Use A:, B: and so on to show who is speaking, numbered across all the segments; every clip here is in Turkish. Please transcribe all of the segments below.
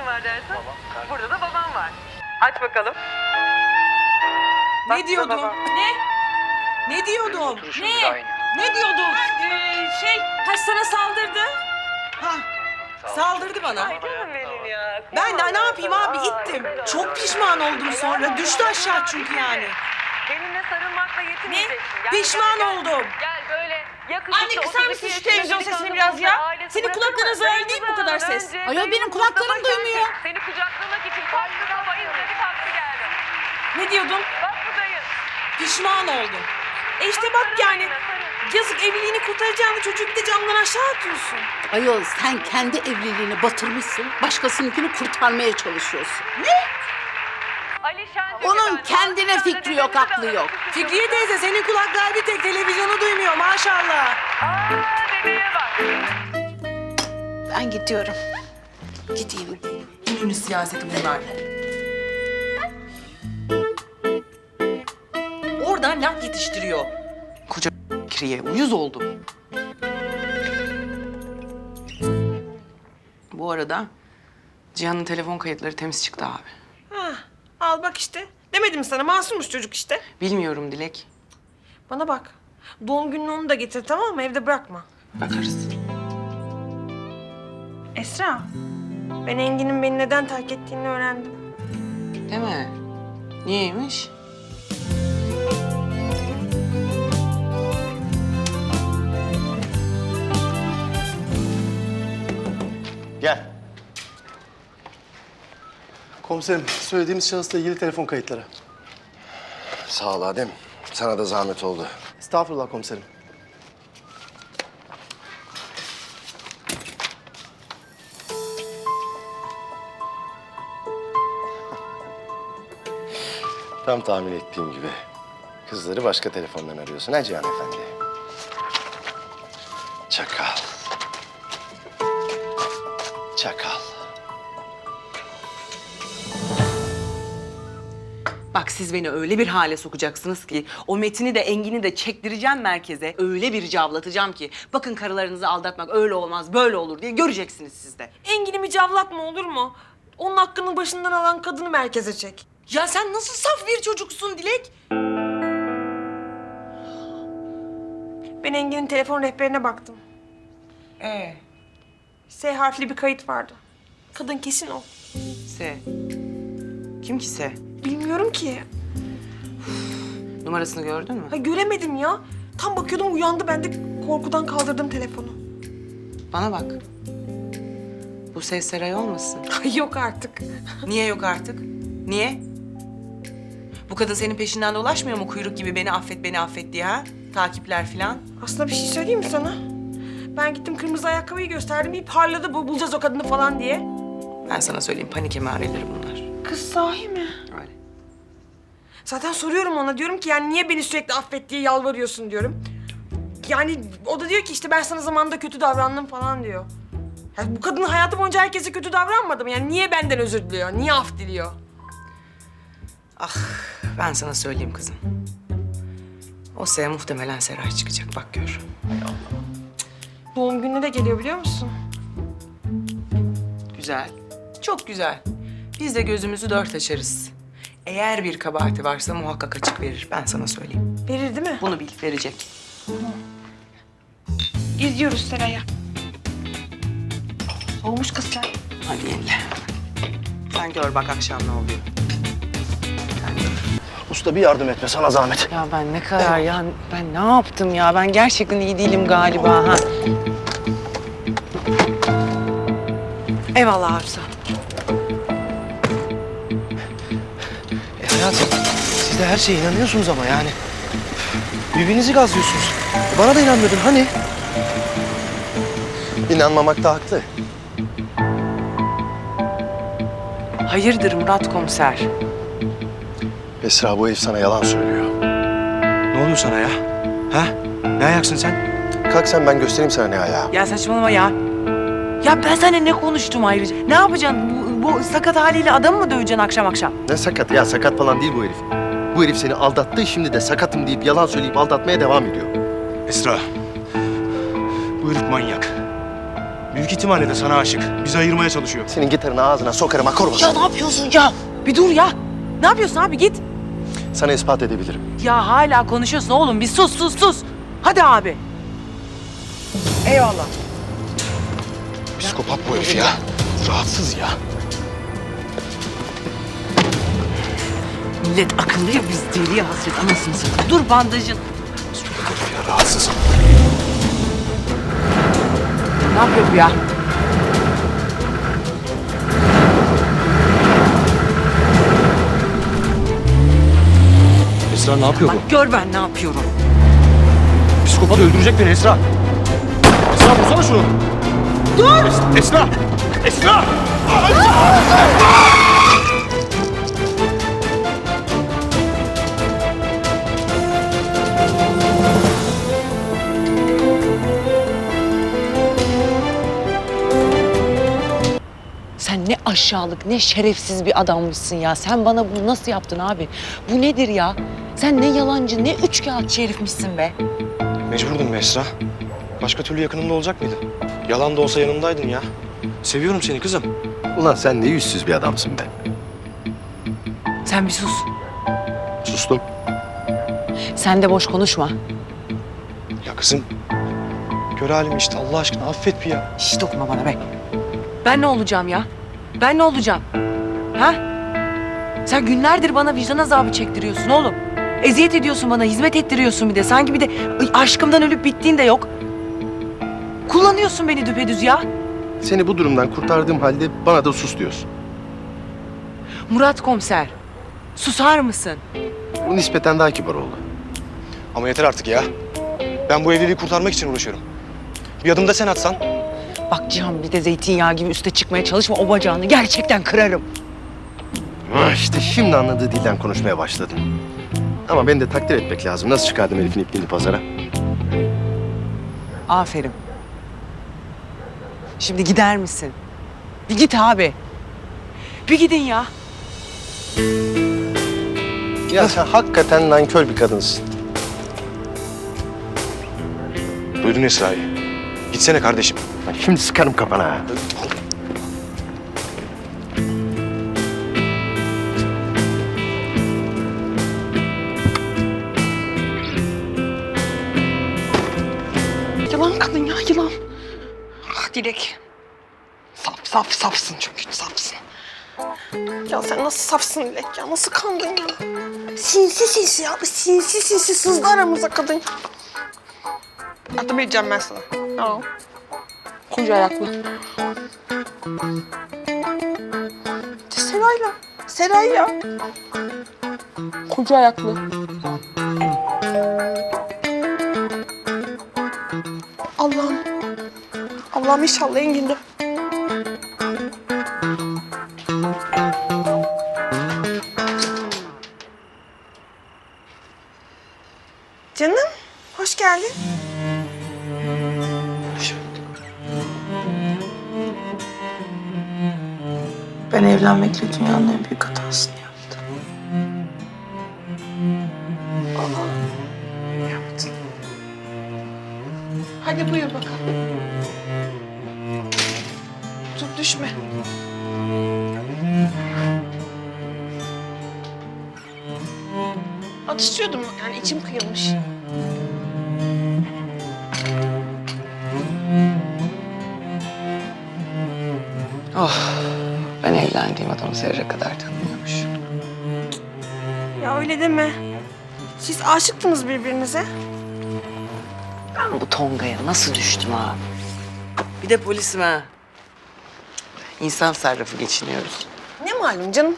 A: kim var dersin? Burada da babam var. Aç bakalım.
B: Ne diyordum?
A: baba.
B: Ne diyordum?
C: Ne?
B: Ne diyordum?
D: Sana saldırdı.
B: Ha, saldırdı bana.
A: Ay canım benim ya.
B: Ben de ne yapayım abi,
A: Aa,
B: ittim.
A: helal
B: Çok
A: olsun.
B: pişman oldum
A: Helal
B: sonra.
A: olsun.
B: Düştü aşağı çünkü yani.
A: Benimle sarılmakla yetinmeyeceksin. Gel,
B: Pişman
A: gel, gel.
B: oldum.
A: Gel böyle yakışıklı.
D: Anne, kısar
A: 32
D: mısın şu
A: yaşında
D: televizyon
A: bir
D: sesini
A: kadın
D: biraz ya?
A: ailesi
D: Senin
A: bırakır
D: kulakların
A: mı?
D: zarar değil mi bu kadar ses?
A: Önce
D: Ayol,
A: dayım
D: benim kulaklarım
A: Mustafa
D: duymuyor.
A: geldi. Seni kucaklamak için kalktı sabah izledi kalktı geldi.
D: Ne diyordun?
A: Bak bu dayın.
B: Pişman oldum. İşte bak yani. Yazık, evliliğini kurtaracağını çocuğu bir de camdan aşağı atıyorsun.
E: Ayol sen kendi evliliğini batırmışsın, başkasınınkini kurtarmaya çalışıyorsun.
A: Alişan
E: Onun kendine fikri yok, aklı yok.
B: Fikriye teyze, senin kulaklar bir tek televizyonu duymuyor maşallah.
A: Aa bebeğe bak.
E: Ben gidiyorum. Gideyim.
B: İnönü siyaseti bunlar. Oradan laf yetiştiriyor. Koca Fikriye uyuz oldum. Bu arada Cihan'ın telefon kayıtları temiz çıktı abi.
F: Al bak işte. Demedim sana, masummuş çocuk işte.
B: Bilmiyorum Dilek.
F: Bana bak. Doğum gününü onu da getir, tamam mı? Evde bırakma.
B: Bakarız.
F: Esra, ben Engin'in beni neden terk ettiğini öğrendim.
B: Değil mi? Niyeymiş?
G: Gel. Komiserim, söylediğimiz şahısla ilgili telefon kayıtları.
C: Sağ ol Adem. Sana da zahmet oldu.
G: Estağfurullah komiserim.
C: Tam tahmin ettiğim gibi. Kızları başka telefondan arıyorsun ha Cihan Efendi? Çakal. Çakal.
B: Bak siz beni öyle bir hale sokacaksınız ki o Metin'i de Engin'i de çektireceğim merkeze. Öyle bir cavlatacağım ki bakın karılarınızı aldatmak öyle olmaz böyle olur diye göreceksiniz siz de.
F: Engin'imi cavlatma, olur mu? Onun hakkını başından alan kadını merkeze çek.
B: Ya sen nasıl saf bir çocuksun Dilek?
F: Ben Engin'in telefon rehberine baktım. S harfli bir kayıt vardı. Kadın kesin o.
B: Se. Kim ki Se?
F: Bilmiyorum ki.
B: Numarasını gördün mü?
F: Ha, göremedim ya. Tam bakıyordum, uyandı. Ben de korkudan kaldırdım telefonu.
B: Bana bak. Bu Se Seray olmasın?
F: Ay yok artık.
B: Niye yok artık? Niye? Bu kadın senin peşinden dolaşmıyor mu kuyruk gibi beni affet diye ha? Takipler falan.
F: Aslında bir şey söyleyeyim mi sana? Ben gittim kırmızı ayakkabıyı gösterdim. Bir parladı, bu bulacağız o kadını falan diye.
B: Ben sana söyleyeyim panik emareleri bunlar.
F: Kız sahi mi?
B: Öyle.
F: Zaten soruyorum ona, diyorum ki yani niye beni sürekli affet diye yalvarıyorsun diyorum. Yani o da diyor ki işte ben sana zamanında kötü davrandım falan diyor. Yani bu kadın hayatı boyunca herkese kötü davranmadı mı? Yani niye benden özür diliyor? Niye af diliyor?
B: Ah ben sana söyleyeyim kızım. O Se muhtemelen Seray çıkacak bak gör.
F: Doğum gününe de geliyor biliyor musun?
B: Güzel. Çok güzel. Biz de gözümüzü dört açarız. Eğer bir kabahati varsa muhakkak açık verir. Ben sana söyleyeyim.
F: Verir değil mi?
B: Bunu bil, verecek.
F: Gidiyoruz Seray'a. Soğumuş kız sen.
B: Hadi yenile. Sen gör bak akşam ne oluyor. Sen gör.
G: Usta bir yardım etme, sana zahmet.
B: Ya ben ne kadar ya, ben ne yaptım ya? Ben gerçekten iyi değilim galiba ha. Eyvallah Arzu.
G: Hayatım, siz de her şeye inanıyorsunuz ama yani. Birbirinizi gazlıyorsunuz. Bana da inanmıyordun hani?
C: İnanmamakta haklı.
B: Hayırdır Murat komiser?
C: Esra bu herif sana yalan söylüyor.
G: Ne oluyor sana ya? Ha? Ne ayaksın sen?
C: Kalk sen ben göstereyim sana ne ayağı.
B: Ya saçmalama ya. Ya ben seninle ne konuştum ayrıca? Ne yapacaksın? Bu sakat haliyle adamı mı döveceksin akşam akşam?
C: Ne sakat ya, sakat falan değil bu herif. Bu herif seni aldattı, şimdi de sakatım deyip yalan söyleyip aldatmaya devam ediyor.
H: Esra, bu herif manyak.
G: Büyük ihtimalle de sana aşık. Bizi ayırmaya çalışıyor.
C: Senin gitarını ağzına sokarım akor
B: Ya ne yapıyorsun ya? Bir dur ya. Ne yapıyorsun abi git.
C: Sana ispat edebilirim.
B: Ya hala konuşuyorsun oğlum. Bir sus. Hadi abi. Eyvallah.
G: Psikopat bu herif ya. Rahatsız ya.
B: Millet akıllı ya biz deliye hasret anasını satayım. Dur bandajın.
G: Psikopat herif ya, rahatsız.
B: Ne yapıyor bu ya?
G: Esra ne yapıyor
B: Bak gör ben ne yapıyorum.
G: bu? Psikopat öldürecek beni Esra. Esra vursana şunu. Dur! Esra! Esra!
B: Sen ne aşağılık, ne şerefsiz bir adammışsın ya. Sen bana bunu nasıl yaptın abi? Bu nedir ya? Sen ne yalancı, ne üçkağıtçı herifmişsin be.
G: Mecburdum be Esra. Başka türlü yakınımda olacak mıydın? Yalan da olsa yanımdaydın ya. Seviyorum seni kızım.
C: Ulan sen ne yüzsüz bir adamsın be.
B: Sen bir sus.
C: Sustum.
B: Sen de boş konuşma.
G: Ya kızım. Gör halimi işte Allah aşkına affet bir ya.
B: Hiç dokunma bana be. Ben ne olacağım ya? Ben ne olacağım? Ha? Sen günlerdir bana vicdan azabı çektiriyorsun oğlum. Eziyet ediyorsun bana, hizmet ettiriyorsun bir de. Sanki bir de aşkımdan ölüp bittiğin de yok. Kullanıyorsun beni düpedüz ya.
C: Seni bu durumdan kurtardığım halde bana da sus diyorsun.
B: Murat komiser, susar mısın?
C: Bu nispeten daha kibar oldu.
G: Ama yeter artık ya. Ben bu evliliği kurtarmak için uğraşıyorum. Bir adım da sen atsan.
B: Bak Cihan bir de zeytinyağı gibi üste çıkmaya çalışma. O bacağını gerçekten kırarım.
C: İşte şimdi anladığı dilden konuşmaya başladın. Ama beni de takdir etmek lazım. Nasıl çıkardım herifin ipliğini pazara?
B: Aferin. Şimdi gider misin? Bir git abi. Bir gidin ya.
C: Ya sen hakikaten nankör bir kadınsın.
G: Duydun Esra'yı. Gitsene kardeşim.
C: Bak şimdi sıkarım kafana ha.
F: Yılan kadın ya yılan. Ah Dilek. Safsın çünkü safsın. Ya sen nasıl safsın Dilek ya? Nasıl kandın ya? Sinsi ya. Bu sinsi sızdı aramıza kadın. Adım edeceğim ben sana. Tamam. Koca ayaklı. Seray ya. Koca ayaklı. Allah'ım inşallah Engin'de. Canım, hoş geldin.
H: Ben evlenmekle dünyanın en büyük hatasını yaptım.
F: Yaptın. Hadi buyur bakalım. Dur düşme. Atışıyordum yani içim kıyılmış.
B: Ben evlendiğim adamı zerre kadar tanımıyormuş.
F: Ya öyle deme. Siz aşıktınız birbirinize.
B: Ben bu Tonga'ya nasıl düştüm ha? Bir de polisim ha. İnsan sarrafı geçiniyoruz.
F: Ne malum canım.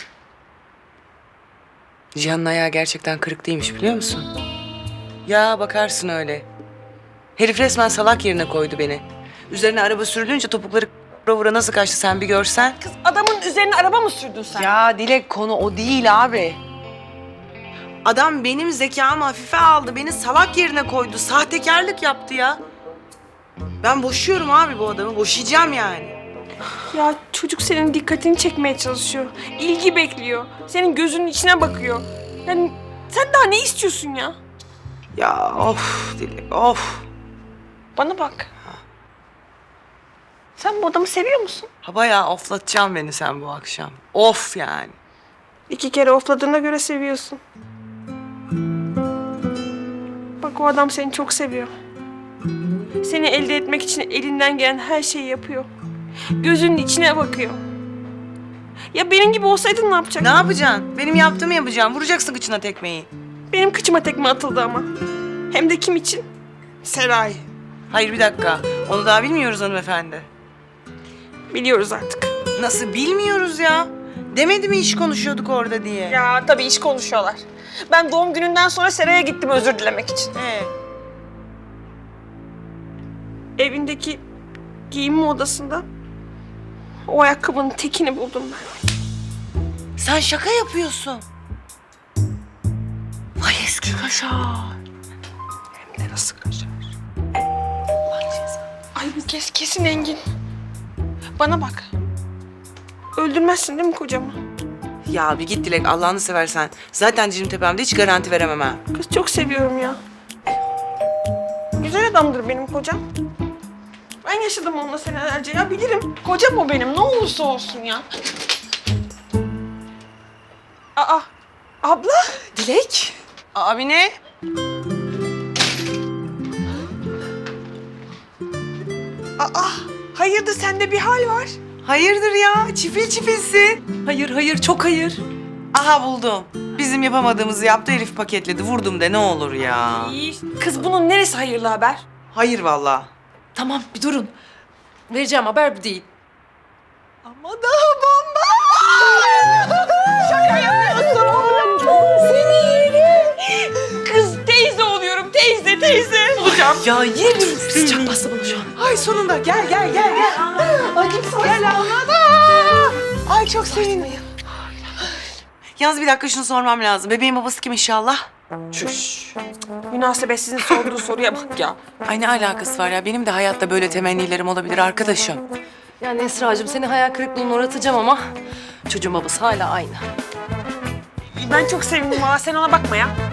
B: Cihan'ın ayağı gerçekten kırık değilmiş biliyor musun? Ya bakarsın öyle. Herif resmen salak yerine koydu beni. Üzerine araba sürülünce topukları vura nasıl kaçtı sen bir görsen.
F: Kız adamın üzerine araba mı sürdün sen?
B: Ya Dilek konu o değil abi. Adam benim zekamı hafife aldı. Beni salak yerine koydu. Sahtekarlık yaptı ya. Ben boşuyorum abi bu adamı. Boşayacağım yani.
F: Ya çocuk senin dikkatini çekmeye çalışıyor. İlgi bekliyor. Senin gözünün içine bakıyor. Yani sen daha ne istiyorsun ya?
B: Ya of Dilek of.
F: Bana bak. Sen bu adamı seviyor musun?
B: Ha bayağı oflatacaksın beni sen bu akşam. Of yani.
F: 2 kere ofladığına göre seviyorsun. Bak o adam seni çok seviyor. Seni elde etmek için elinden gelen her şeyi yapıyor. Gözünün içine bakıyor. Ya benim gibi olsaydın ne yapacaktın?
B: Ne yapacaksın? Benim yaptığımı yapacaksın. Vuracaksın kıçına tekmeyi.
F: Benim kıçıma tekme atıldı ama. Hem de kim için? Seray.
B: Hayır bir dakika. Onu daha bilmiyoruz hanımefendi.
F: Biliyoruz artık.
B: Nasıl bilmiyoruz ya? Demedi mi iş konuşuyorduk orada diye?
F: Ya tabii iş konuşuyorlar. Ben doğum gününden sonra Seray'a gittim özür dilemek için. Evindeki giyinme odasında o ayakkabının tekini buldum ben.
B: Sen şaka yapıyorsun. Vay eski kaşar.
F: Hem de nasıl kaçar? Ay bu kez kesin Engin. Bana bak. Öldürmezsin değil mi kocamı?
B: Ya bir git Dilek Allah'ını seversen. Zaten Cim Tepem'de hiç garanti veremem ha.
F: Kız çok seviyorum ya. Güzel adamdır benim kocam. Ben yaşadım onunla senelerce ya bilirim. Kocam o benim ne olursa olsun ya. Aa, abla.
B: Dilek? Abi ne?
F: Aa, hayırdır sende bir hal var.
B: Hayırdır ya? Çifil çifilsin.
D: Hayır hayır çok hayır.
B: Aha buldum. Bizim yapamadığımızı yaptı herif paketledi. Vurdum de ne olur ya.
F: İyi. Kız bunun neresi hayırlı haber?
B: Hayır vallahi.
D: Tamam bir durun. Vereceğim haber bu değil.
F: Ama daha bomba. Şaka yapıyorsun oğlum. Seni yerim. Kız teyze oluyorum teyze. Olacağım.
B: Ya yerim seni.
D: Çok bastı bana şu an.
F: Ay sonunda gel. Ay gel anladım. Ay çok sevindim.
B: Yalnız bir dakika şunu sormam lazım. Bebeğin babası kim inşallah?
F: Şuş. Münasebetsizin sorduğu soruya bak ya.
B: Ay ne alakası var ya? Benim de hayatta böyle temennilerim olabilir arkadaşım.
D: Yani Esra'cığım seni hayal kırıklığına uğratacağım ama çocuğun babası hala aynı.
F: Ben çok sevindim valla sen ona bakma ya.